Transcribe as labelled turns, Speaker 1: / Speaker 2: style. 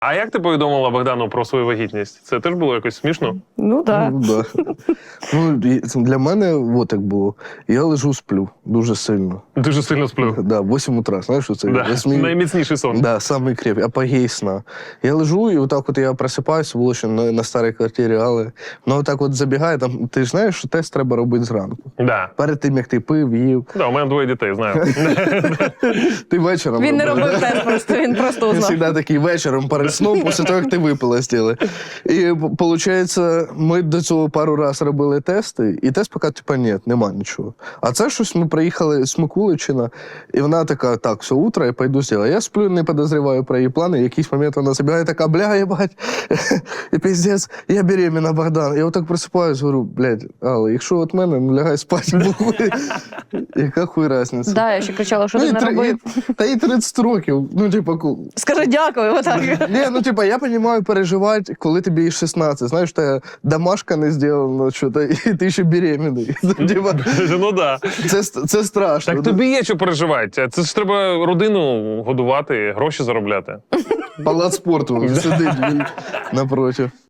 Speaker 1: А як ти повідомила Богдану про свою вагітність? Це теж було якось смішно?
Speaker 2: Ну, так.
Speaker 3: Да. Для мене от як було. Я лежу, сплю дуже сильно.
Speaker 1: Дуже сильно сплю.
Speaker 3: Да, 8 утра, знаєш, що це?
Speaker 1: Да. Найміцніший сон.
Speaker 3: Да, самий крепкий, апогей сна. Я лежу, і отак от я просипаюся, було ще на старій квартирі, але отак от забігає, там, ти ж знаєш, що тест треба робити зранку.
Speaker 1: Да.
Speaker 3: Перед тим, як ти пив, їв.
Speaker 1: Да, у мене 2 дітей, знаю.
Speaker 3: Ти вечором
Speaker 2: Він не
Speaker 3: робиш,
Speaker 2: робив
Speaker 3: да?
Speaker 2: тест просто, він просто
Speaker 3: Він
Speaker 2: узнав.
Speaker 3: завжди такий вечором перед сном, після того, як ти випила стіли. І, виходить, ми до цього пару разів робили тести, і тест поки, типа, ні, нема нічого. А це щось ми приїхали з Микуличина, і вона така, так, все, утро, я пойду зробити. Я сплю, не підозріваю про її плани, в якийсь момент вона забігає така, бля, єбать, і пиздець, я беременна, Богдан. Я отак просипаюсь, говорю, блядь, Алла, якщо от мене, ну лягай спати, бухуй. Яка хуй разниця?
Speaker 2: Да, я ще кричала, що ти не робив.
Speaker 3: Та їй 30 років, ну, типа,
Speaker 2: Скажи дякую, отак.
Speaker 3: ні, ну типа, я розумію переживати, коли тобі і 16. Знаєш, та домашка не зроблена, що то, і ти ще беременний. Типа,
Speaker 1: Ну да.
Speaker 3: це страшно.
Speaker 1: Так тобі є що переживати. Це ж треба родину годувати, гроші заробляти.
Speaker 3: Палац спорту сидить він напроти.